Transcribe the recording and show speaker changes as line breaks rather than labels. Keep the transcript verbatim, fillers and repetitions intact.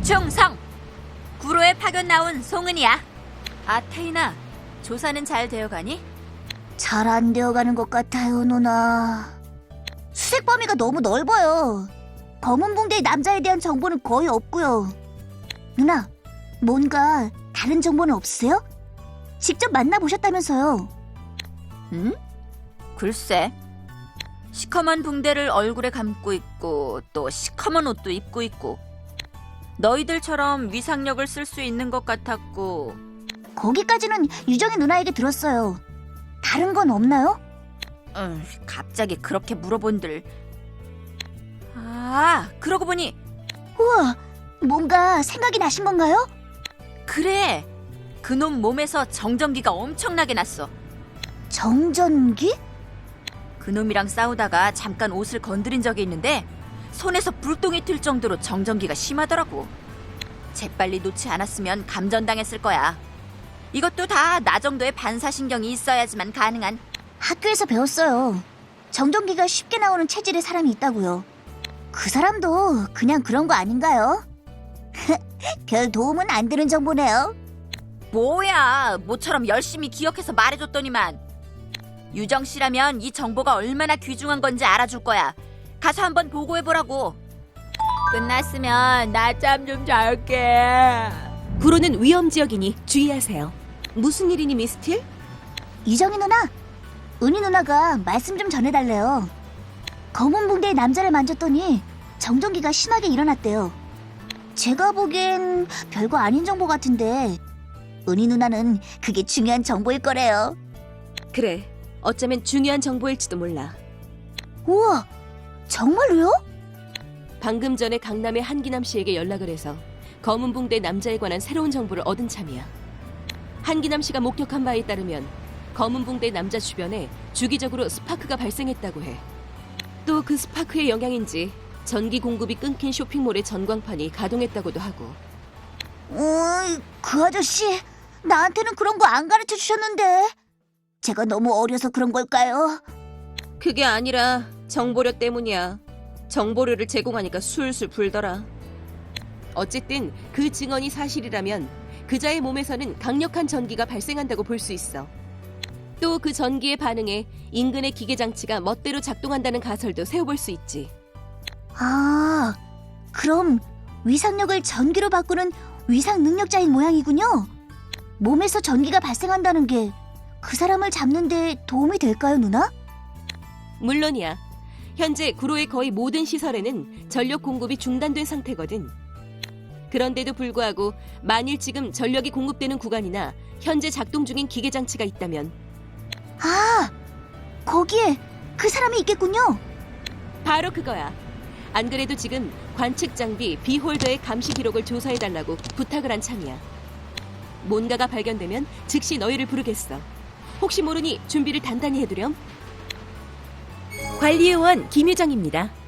충성! 구로에 파견 나온 송은이야. 아, 태인아, 조사는 잘 되어가니?
잘 안 되어가는 것 같아요, 누나. 수색 범위가 너무 넓어요. 검은 붕대의 남자에 대한 정보는 거의 없고요. 누나, 뭔가 다른 정보는 없으세요? 직접 만나보셨다면서요.
응? 글쎄. 시커먼 붕대를 얼굴에 감고 있고 또 시커먼 옷도 입고 있고 너희들처럼 위상력을 쓸 수 있는 것 같았고.
거기까지는 유정이 누나에게 들었어요. 다른 건 없나요?
음, 갑자기 그렇게 물어본들. 아, 그러고 보니
우와, 뭔가 생각이 나신 건가요?
그래. 그놈 몸에서 정전기가 엄청나게 났어.
정전기?
그놈이랑 싸우다가 잠깐 옷을 건드린 적이 있는데 손에서 불똥이 튈 정도로 정전기가 심하더라고. 재빨리 놓지 않았으면 감전당했을 거야. 이것도 다 나 정도의 반사신경이 있어야지만 가능한.
학교에서 배웠어요. 정전기가 쉽게 나오는 체질의 사람이 있다고요. 그 사람도 그냥 그런 거 아닌가요? 별 도움은 안 되는 정보네요.
뭐야, 모처럼 열심히 기억해서 말해줬더니만. 유정 씨라면 이 정보가 얼마나 귀중한 건지 알아줄 거야. 가서 한번 보고해보라고. 끝났으면 낮잠 좀 잘게.
구로는 위험지역이니 주의하세요. 무슨 일이니, 미스틸?
유정이 누나, 은희 누나가 말씀 좀 전해달래요. 검은 붕대의 남자를 만졌더니 정전기가 심하게 일어났대요. 제가 보기엔 별거 아닌 정보 같은데 은희 누나는 그게 중요한 정보일 거래요.
그래, 어쩌면 중요한 정보일지도 몰라.
우와, 정말로요?
방금 전에 강남의 한기남 씨에게 연락을 해서 검은 붕대 남자에 관한 새로운 정보를 얻은 참이야. 한기남 씨가 목격한 바에 따르면 검은 붕대 남자 주변에 주기적으로 스파크가 발생했다고 해. 또 그 스파크의 영향인지 전기 공급이 끊긴 쇼핑몰의 전광판이 가동했다고도 하고.
음, 그 아저씨 나한테는 그런 거 안 가르쳐 주셨는데 제가 너무 어려서 그런 걸까요?
그게 아니라 정보료 때문이야. 정보료를 제공하니까 술술 불더라. 어쨌든 그 증언이 사실이라면 그자의 몸에서는 강력한 전기가 발생한다고 볼 수 있어. 또 그 전기에 반응해 인근의 기계장치가 멋대로 작동한다는 가설도 세워볼 수 있지.
아, 그럼 위상력을 전기로 바꾸는 위상 능력자인 모양이군요. 몸에서 전기가 발생한다는 게 그 사람을 잡는 데 도움이 될까요, 누나?
물론이야. 현재 구로의 거의 모든 시설에는 전력 공급이 중단된 상태거든. 그런데도 불구하고 만일 지금 전력이 공급되는 구간이나 현재 작동 중인 기계장치가 있다면
아, 거기에 그 사람이 있겠군요.
바로 그거야. 안 그래도 지금 관측 장비 비홀더의 감시 기록을 조사해달라고 부탁을 한 참이야. 뭔가가 발견되면 즉시 너희를 부르겠어. 혹시 모르니 준비를 단단히 해두렴. 관리요원 김유정입니다.